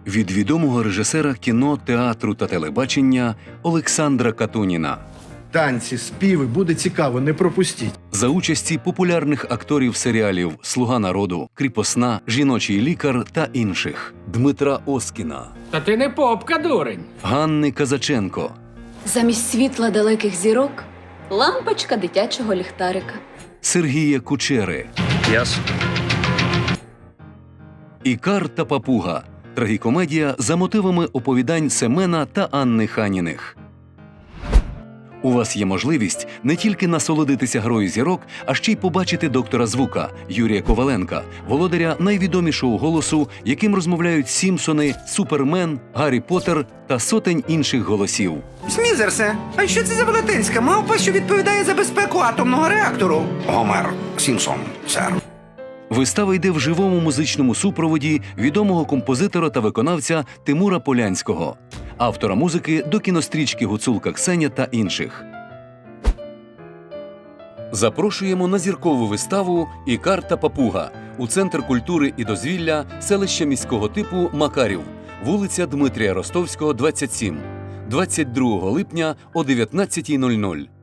від відомого режисера кіно, театру та телебачення Олександра Катуніна. Танці, співи, буде цікаво, не пропустіть. За участі популярних акторів серіалів «Слуга народу», «Кріпосна», «Жіночий лікар» та інших. Дмитра Оскіна, Та ти не попка, дурень. Ганни Казаченко, Замість світла далеких зірок – лампочка дитячого ліхтарика. Сергія Кучери, Ясно. «Ікар та папуга» – трагікомедія за мотивами оповідань Семена та Анни Ханіних. У вас є можливість не тільки насолодитися грою зірок, а ще й побачити доктора звука Юрія Коваленка, володаря найвідомішого голосу, яким розмовляють Сімпсони, Супермен, Гаррі Поттер та сотень інших голосів. Смізерсе, а що це за велетенська мавпа, що відповідає за безпеку атомного реактору? Гомер Сімпсон, сер. Вистава йде в живому музичному супроводі відомого композитора та виконавця Тимура Полянського, автора музики до кінострічки «Гуцулка Ксеня» та інших. Запрошуємо на зіркову виставу «Ікар та папуга» у Центр культури і дозвілля селища міського типу Макарів, вулиця Дмитрія Ростовського, 27, 22 липня о 19:00.